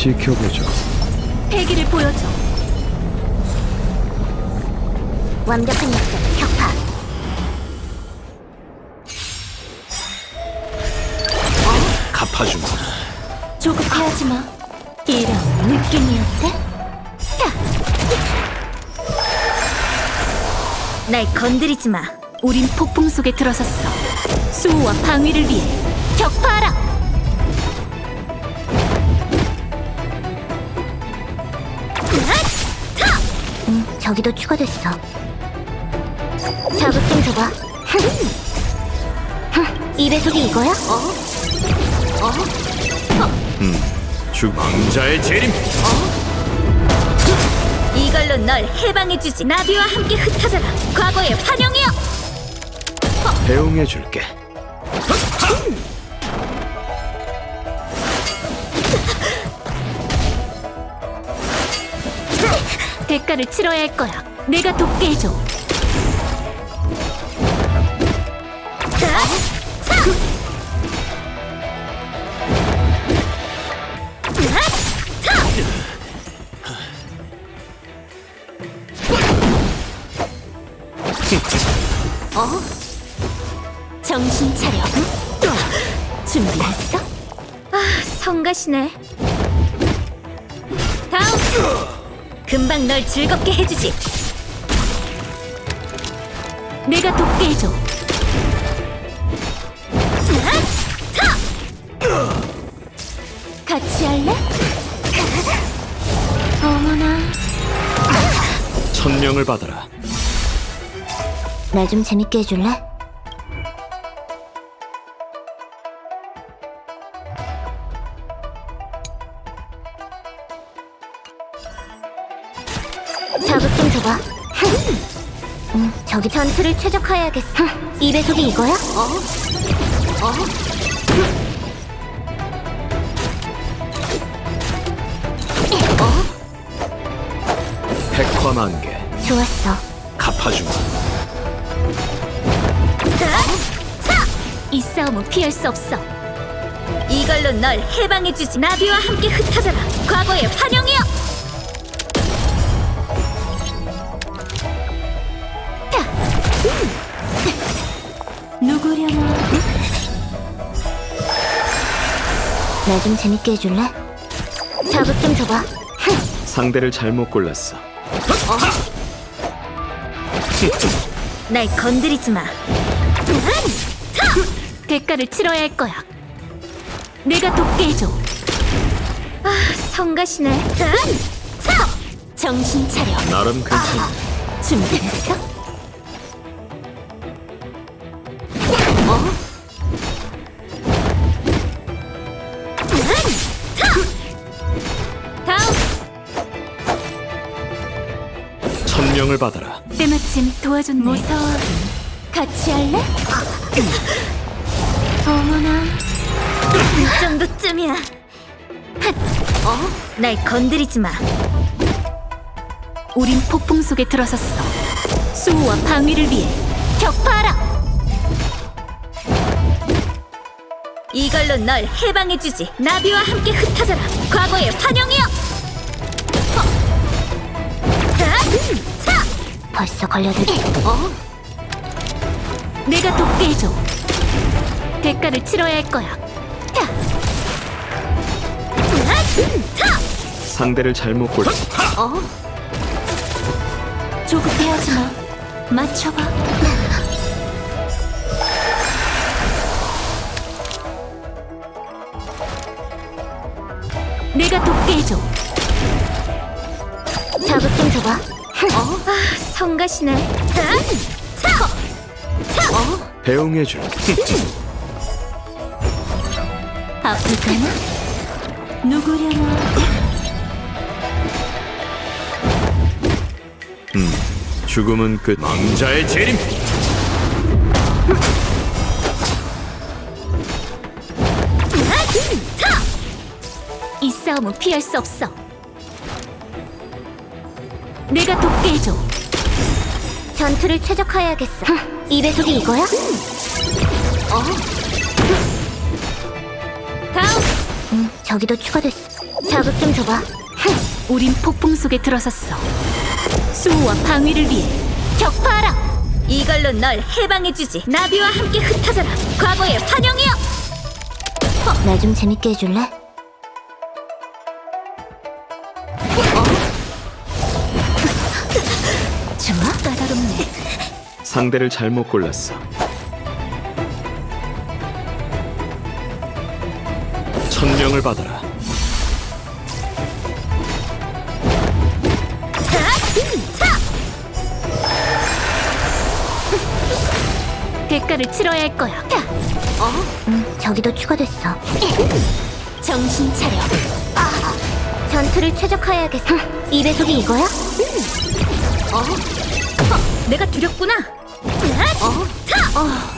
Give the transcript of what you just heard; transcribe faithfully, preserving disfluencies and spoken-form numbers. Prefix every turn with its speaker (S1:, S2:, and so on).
S1: 지켜보죠.
S2: 패기를 보여줘.
S3: 완벽한 약점 격파.
S1: 갚아주마.
S2: 조급해하지 마. 이런 느낌이었대? 날 건드리지 마. 우린 폭풍 속에 들어섰어. 수호와 방위를 위해 격파하라.
S3: 응, 저기도 추가됐어. 자극 좀 줘봐. 이 배속이 이거야? 어? 어?
S1: 왕자의 재림.
S2: 이걸로 널 해방해주지. 나비와 함께 흩어져라. 과거의 환영이여.
S1: 배웅해줄게.
S2: 대가를 치러야 할 거야. 내가 돕게 해줘. 어? 정신 차려. 준비했어? 아, 성가시네. 다음. 금방 널 즐겁게 해주지. 내가 돕게 해줘. 같이 할래? 어머나.
S1: 천명을 받아라.
S3: 날 좀 재밌게 해줄래? 자극 좀 줘봐. 응, 저기 전투를 최적화해야겠어. 이 배속이 이거야? 어? 어?
S1: 백화만개.
S3: 좋았어.
S1: 갚아주마.
S2: 이 싸움은 피할 수 없어. 이걸로 널 해방해주지. 나비와 함께 흩어져라. 과거의 환영이여. 누구려나?
S3: 날 좀 재밌게 해줄래? 자극 좀 줘봐.
S1: 상대를 잘못 골랐어.
S2: 날 건드리지 마. 대가를 치러야 할 거야. 내가 돕게 해줘. 아, 성가시네. 정신 차려.
S1: 나름 괜찮아.
S2: 준비됐어? 어? 다음.
S1: 천명을 받아라.
S2: 때마침 도와줬네. 무서워. 같이 할래? 어머나. 이 정도쯤이야. 어? 날 건드리지 마. 우린 폭풍 속에 들어섰어. 수호와 방위를 위해 격파하라. 이걸로 널 해방해주지. 나비와 함께 흩어져라. 과거의 환영이여.
S3: 벌써 걸려들.
S2: 어? 내가 돕게 해줘. 대가를 치러야 할 거야.
S1: 상대를 잘못 골랐어.
S2: 어? 조급해하지 마. 맞춰봐. 내가 돕게 해줘.
S3: 자극 좀 줘봐.
S2: 어? 아, 성가시네. 어?
S1: 배웅해줄게.
S2: 아플까나? 누구려나?
S1: 음, 죽음은 끝. 왕자의 재림.
S2: 이 싸움은 피할 수 없어. 내가 돕게 해줘.
S3: 전투를 최적화해야겠어. 이 배속이 이거야?
S2: 어? 다음.
S3: 응, 저기도 추가됐어. 자극 좀 줘봐.
S2: 우린 폭풍 속에 들어섰어. 수호와 방위를 위해 격파하라. 이걸로 널 해방해주지. 나비와 함께 흩어져라. 과거의 환영이여.
S3: 나 좀 재밌게 해줄래?
S2: 좋아? 까다롭네.
S1: 상대를 잘못 골랐어. 천명을 받아라.
S2: 대가를 치러야 할 거야.
S3: 응, 저기도 추가됐어.
S2: 정신 차려.
S3: 전투를 최적화해야겠어. 이 배속이 이거야?
S2: 내가 두렵구나.
S3: 어?